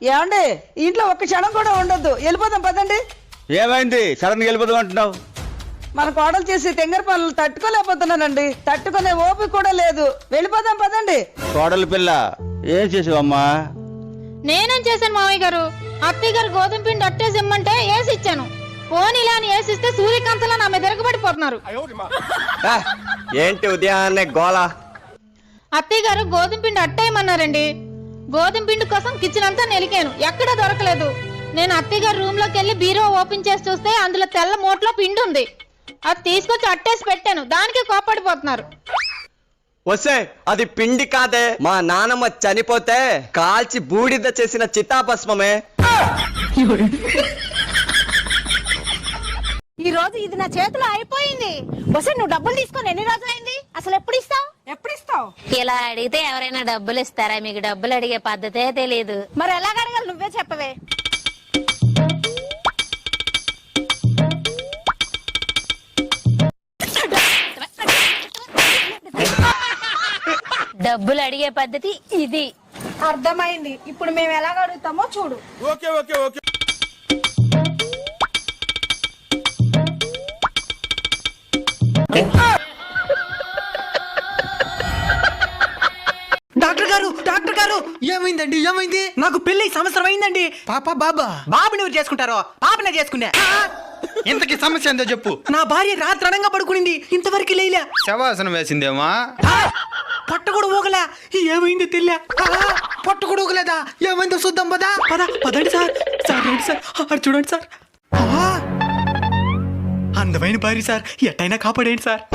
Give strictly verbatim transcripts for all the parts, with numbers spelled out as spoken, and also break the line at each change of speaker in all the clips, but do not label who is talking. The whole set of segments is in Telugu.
ఏమండి ఇంట్లో ఒక్క క్షణం కూడా ఉండొద్దు, వెళ్ళిపోదాం పదండి.
ఏమైంది సడన్ గా వెళ్ళిపోదాం అంటున్నావు?
మన కోడలు చేసి తెంగర పనులు తట్టుకోలేకపోతున్నానండి, తట్టుకునే ఓపిక కూడా లేదు. వెళ్ళిపోదాం పదండి.
కోడలు పిల్ల ఏం చేసావమ్మా?
నేనేం చేశాను మామయ్య గారు? అత్తయ్య గారు గోధుమ పిండి అట్టేసి ఇమ్మంటే వేసి ఇచ్చాను. పోనీ ఇలా అని వేసిస్తే సూర్యకాంతలా నా మీద తిరగబడిపోతున్నారు.
ఏంటి ఉదయాన్నే గోళ?
అత్తయ్య గారు గోధుమ పిండి అట్టేయమన్నారండి. గోధుమ పిండి కోసం కిచెన్ అంతా నెలికాను, ఎక్కడా దొరకలేదు. నేను అత్తయ్య గారు రూమ్ లోకి వెళ్ళి బీరో ఓపెన్ చేసి చూస్తే అందులో తెల్ల మూటలో పిండి ఉంది. అది తీసుకొచ్చి అట్టేసి పెట్టాను, దానికి కోపడిపోతున్నారు.
వస్తే అది పిండి కాదే, మా నానమ్మ చనిపోతే కాల్చి బూడిద చేసిన చితాభస్మమే.
ఈ రోజు ఇది నా చేతిలో అయిపోయింది. వస్తే నువ్వు డబ్బులు తీసుకొని ఎన్ని రోజులు అయింది? అసలు ఎప్పుడు ఇస్తావు? ఎప్పుడు ఇస్తావు?
ఇలా అడిగితే ఎవరైనా డబ్బులు ఇస్తారా? మీకు డబ్బులు అడిగే పద్ధతే తెలియదు.
మరి ఎలాగ అడగాలి? నువ్వే చెప్పవే.
డబ్బులు అడిగే పద్ధతి ఇది.
అర్థమైంది. ఇప్పుడు మేము ఎలాగ అడుగుతామో చూడు.
Okay okay okay.
డాక్టర్ గారు డాక్టర్ గారు ఏమైందండి? ఏమైంది? నాకు పెళ్లి సంవత్సరం అయిందండి. పాప బాబా బాబుని ఎవరు చేసుకుంటారో పాపనే చేసుకున్నా.
ఇంతకి సమస్య ఏందో చెప్పు.
నా భార్య రాత్రి అడంగా పడుకునింది, ఇంతవరకు లేలే.
శవాసనం వేసిందేమా?
పొట్ట కూడా ఊగలే. ఏమైందో తెలియ. పొట్ట కూడా ఊగలేదా? ఏమైందో చూద్దాం పదా. పద పదండి సార్. సార్ రండి సార్, అక్కడ చూడండి సార్. అందమైన భార్య సార్, ఎట్టయినా కాపాడేయండి సార్.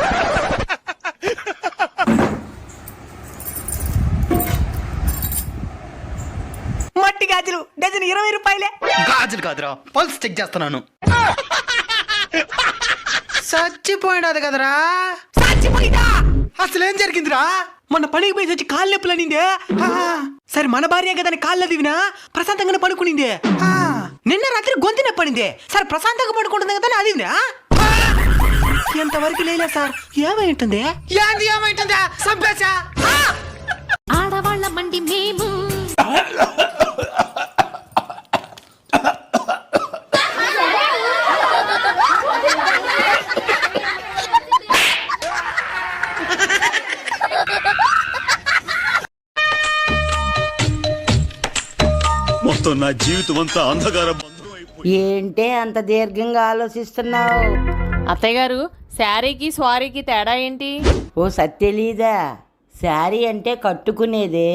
మట్టి గాజులు డజన్ ఇరవై రూపాయలే.
గాజులు కాదురా, పల్స్ చెక్ చేస్తున్నాను.
చచ్చిపోయినది కదరా. చచ్చిపోయిందా? అసలు ఏం జరిగిందిరా? మొన్న పనికి పోయి వచ్చి కాళ్ళు నొప్పులు అనిందే. సరే మన భార్య కదా కాళ్ళు దివినా ప్రశాంతంగానే పడుకునిందే. నిన్న రాత్రి గొంతు నొప్పనిందే. సరే ప్రశాంతంగా పడుకుంటుంది కదా అదివినా. ఎంతవరకు లేలే సార్. ఏమైంటుంది? ఏంది ఏమైంటుందా? సంపేశా
ఆడవాళ్ళ మండి మేము
మొత్తం నా జీవితం అంతా అంధకారం.
ఏంటే అంత దీర్ఘంగా ఆలోచిస్తున్నావు?
అత్తయ్య గారు, శారీకి స్వారీకి తేడా ఏంటి?
ఓ సత్యలీదా, శారీ అంటే కట్టుకునేదే,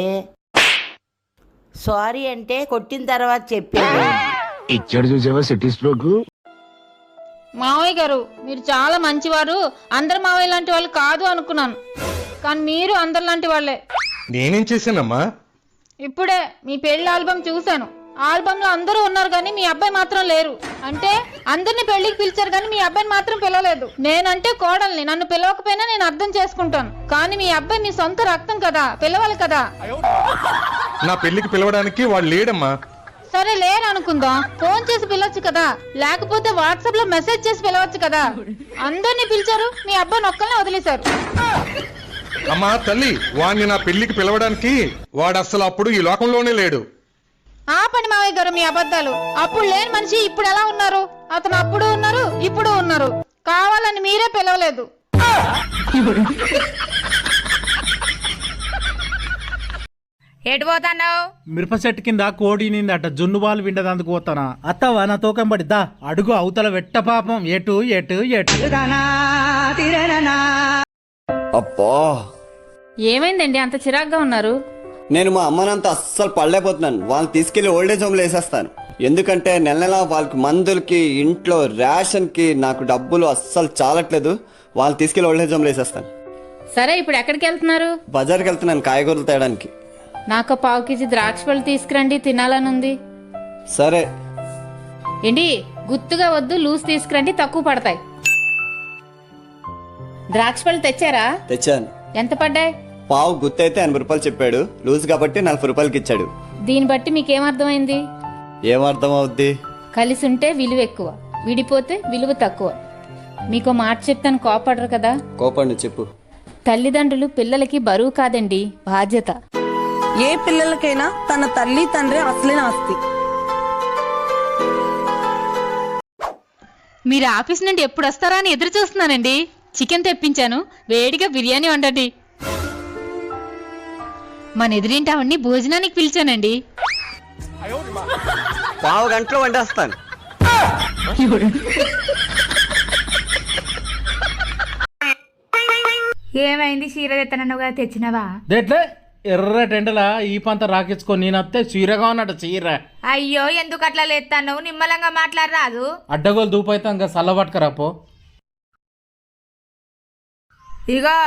సారీ అంటే కొట్టిన తర్వాత చెప్పేది.
ఇచ్చాడు చూసావా సిటీ స్ట్రోక్.
మావయ్య గారు మీరు చాలా మంచివారు, అందరు మావయ్య లాంటి వాళ్ళు కాదు అనుకున్నాను, కానీ మీరు అందరు లాంటి వాళ్ళే.
నేనేం చేశానమ్మా?
ఇప్పుడే మీ పెళ్లి ఆల్బమ్ చూశాను. ఆల్బమ్ లో అందరూ ఉన్నారు కానీ మీ అబ్బాయి మాత్రం లేరు. అంటే అందరిని పెళ్లికి పిలిచారు కానీ మీ అబ్బాయిని మాత్రం పిలవలేదు. నేనంటే కోడల్ని, నన్ను పిలవకపోయినా నేను అర్థం చేసుకుంటాను, కానీ మీ అబ్బాయి మీ సొంత రక్తం కదా, పిలవాలి కదా.
నా పెళ్లికి పిలవడానికి వాడు లేడమ్మా.
సరే లేరు అనుకుందాం, ఫోన్ చేసి పిలవచ్చు కదా, లేకపోతే వాట్సాప్ లో మెసేజ్ చేసి పిలవచ్చు కదా. అందరినీ పిలిచారు, మీ అబ్బాయిని ఒక్కనే వదిలేశారు.
అమ్మా తల్లి, వాడిని నా పెళ్లికి పిలవడానికి వాడు అసలు అప్పుడు ఈ లోకంలోనే లేడు.
ఆ పని మావయ్య గారు మీ అబద్ధాలు. అప్పుడు లేని మనిషి ఇప్పుడు ఎలా ఉన్నారు? అతను అప్పుడు ఉన్నారు, ఇప్పుడు ఉన్నారు. కావాలని మీరే పిలవలేదు.
ఎటు పోతాన్నావు?
మిరప చెట్టు కింద కోడి నిందట, జున్ను బాలు విండదందుకు పోతానా. అత్తవా నా తూకం పడిద్దా అడుగు అవతల వెట్ట పాపం. ఎటు ఎటు ఎటు.
అబ్బా,
ఏమైందండి అంత చిరాగ్గా ఉన్నారు?
నేను మా అమ్మనంతా అస్సలు పడలేకపోతున్నాను. వాళ్ళని తీసుకెళ్లి ఓల్డేజ్ హోమ్లో వేసేస్తాను. ఎందుకంటే నెల నెల వాళ్ళకి మందులకి, ఇంట్లో రేషన్ కి నాకు డబ్బులు అస్సలు చాలట్లేదు. వాళ్ళని తీసుకెళ్లి ఓల్డేజ్ హోమ్లో వేసేస్తాను.
సరే ఇప్పుడు ఎక్కడికి వెళ్తున్నారు?
బజార్కి వెళ్తున్నాను కాయగూరలు తేయడానికి.
నాకు పావు కేజీ ద్రాక్ష పళ్ళు తీసుకురండి, తినాలనుంది.
సరే.
ఏంటి గుత్తుగా వద్దు, లూజ్ తీసుకురండి, తక్కువ పడతాయి. ద్రాక్ష పళ్ళు తెచ్చారా?
తెచ్చాను.
ఎంత పడ్డాయి?
పావు గుత్త అయితే ఎనభై రూపాయలు చెప్పాడు, లూజ్ కాబట్టి నలభై రూపాయలకి ఇచ్చాడు.
దీన్ని బట్టి మీకేమర్థమైంది?
ఏమర్థం అవుద్ది?
కలిసి ఉంటే విలువ ఎక్కువ, విడిపోతే విలువ తక్కువ. మీకు మాట చెప్తాను, కోపడరు కదా?
కోపండి, చెప్పు.
తల్లిదండ్రులు పిల్లలకి బరువు కాదండి, బాధ్యత.
ఏ పిల్లలకైనా తన తల్లి తండ్రి అసలైన ఆస్తి.
మీరు ఆఫీస్ నుండి ఎప్పుడు వస్తారా అని ఎదురు చూస్తున్నానండి. చికెన్ తెప్పించాను, వేడిగా బిర్యానీ వండండి. మన ఎదురింటి అవన్నీ భోజనానికి పిలిచానండి.
పావు గంటలో వండేస్తాను.
ఏమైంది? చీర తెత్తనగా తెచ్చినవా?
దేట్లే ఎర్ర టెండలా ఈ పంత రాకించుకొని నేనత్తే చీరగా ఉన్నట్టు చీర.
అయ్యో ఎందుకు అట్లా లేస్తాను? నిమ్మలంగా మాట్లాడరాదు.
అడ్డగోలు దూపైతే ఇంకా సల్ల పట్టుకరాపో.
ఇగో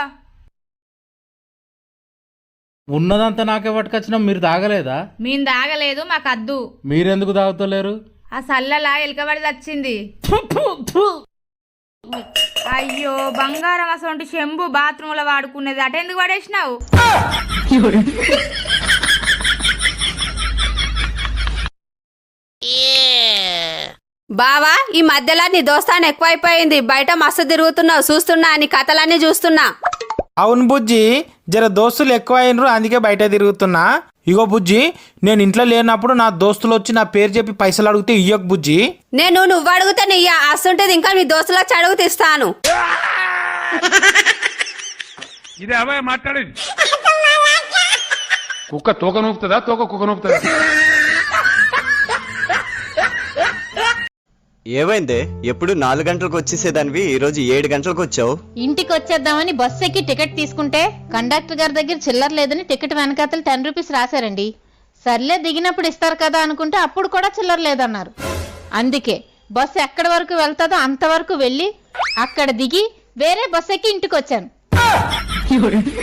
ఉన్నదంతా నాకే పట్టుకొచ్చినా మీరు తాగలేదా?
మేము తాగలేదు, మాకు అద్దు.
మీరెందుకు తాగుతలేరు?
ఆ సల్లలా ఎలకబడి వచ్చింది. అయ్యో బంగారం అసలు చెంబు బాత్రూమ్ లో వాడుకునేది అట ఎందుకు పడేసినావు?
బావా ఈ మధ్యలో నీ దోస్తాను ఎక్కువైపోయింది. బయట మస్తు తిరుగుతున్నావు, చూస్తున్నా నీ కథలన్నీ చూస్తున్నా.
అవును బుజ్జి, జర దోస్తులు ఎక్కువ అయినరు, అందుకే బయట తిరుగుతున్నా. ఇగో బుజ్జి, నేను ఇంట్లో లేనప్పుడు నా దోస్తులు వచ్చి నా పేరు చెప్పి పైసలు అడిగితే ఇయ్యకు బుజ్జి.
నేను నువ్వు అడిగితే నీయ అస్తుంటేది ఇంకా మీ దోస్తులకు అడుగు తీస్తాను.
ఇదే అవే మాట్లాడేది. కుక్క తోక నూపుతుందా, తోక కుక్క నూపుతుందా?
ఏమైందే? ఎప్పుడు నాలుగు గంటలకు వచ్చేసేదానివి ఈ రోజు ఏడు గంటలకు వచ్చావు.
ఇంటికి వచ్చేద్దామని బస్సు ఎక్కి టికెట్ తీసుకుంటే కండక్టర్ గారి దగ్గర చిల్లర లేదని టికెట్ వెనకాతలు టెన్ రూపీస్ రాశారండి. సర్లే దిగినప్పుడు ఇస్తారు కదా అనుకుంటే అప్పుడు కూడా చిల్లర లేదన్నారు. అందుకే బస్సు ఎక్కడి వరకు వెళ్తాదో అంతవరకు వెళ్ళి అక్కడ దిగి వేరే బస్సు ఎక్కి ఇంటికి వచ్చాను.